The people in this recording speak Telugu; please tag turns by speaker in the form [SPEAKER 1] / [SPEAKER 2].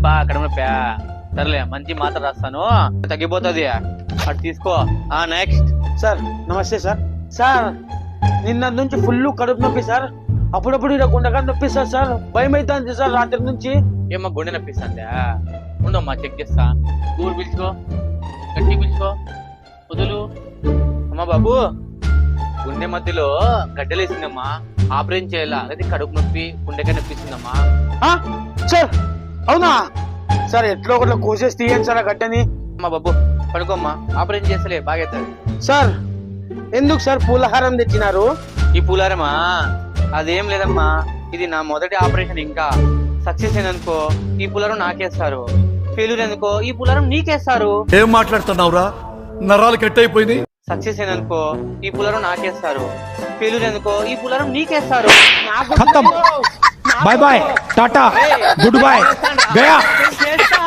[SPEAKER 1] అబ్బా కడుపు నొప్పి సర్లే మంచి మాత్ర రాస్తాను తగ్గిపోతుంది అటు తీసుకో. నెక్స్ట్.
[SPEAKER 2] సార్ నమస్తే సార్. సార్ నిన్న నుంచి ఫుల్ కడుపు నొప్పి సార్. అప్పుడప్పుడు ఇలా గుండెగా నొప్పిస్తారు సార్. భయం అవుతుంది సార్ రాత్రి నుంచి.
[SPEAKER 1] ఏమ్మా గుండె నొప్పిస్తుందా? ఉండమ్మా చెక్ చేస్తా. ఊరు పిలుచుకో, గట్టి పిలుచుకో, వదులు. అమ్మా బాబు గుండె మధ్యలో గడ్డలేసిందమ్మా, ఆపరేషన్ చేయాలా? అదే కడుపు నొప్పి గుండెగా నొప్పిస్తుందమ్మా.
[SPEAKER 2] సార్ అవునా సార్? ఎట్లా ఒకటి కోసేసి తీయండి సార్ ఆ గడ్డని.
[SPEAKER 1] అమ్మా బాబు పడుకోమ్మా, ఆపరేషన్ చేస్తలే బాగవుతుంది.
[SPEAKER 2] సార్ ఎందుకు సార్ పూలహారం తెచ్చినారు?
[SPEAKER 1] ఈ పూలారమా అదేం లేదమ్మా, ఇది నా మొదటి ఆపరేషన్. ఇంకా సక్సెస్ అయిందనుకో ఈ పూలారం నాకేస్తారు, ఫెయిల్యూర్ ఎందుకో ఈ పూలారం నీకేస్తారు.
[SPEAKER 3] ఏం మాట్లాడుతున్నావురా? నరాలు కట్ అయిపోయింది.
[SPEAKER 1] సక్సెస్ అయిందనుకో ఈ పూలారం నాకేస్తారు, ఫెయిల్యూర్ ఎందుకో ఈ పూలారం నీకేస్తారు.
[SPEAKER 2] ఖతం. బాయ్ బాయ్, టాటా, గుడ్ బాయ్, గయా.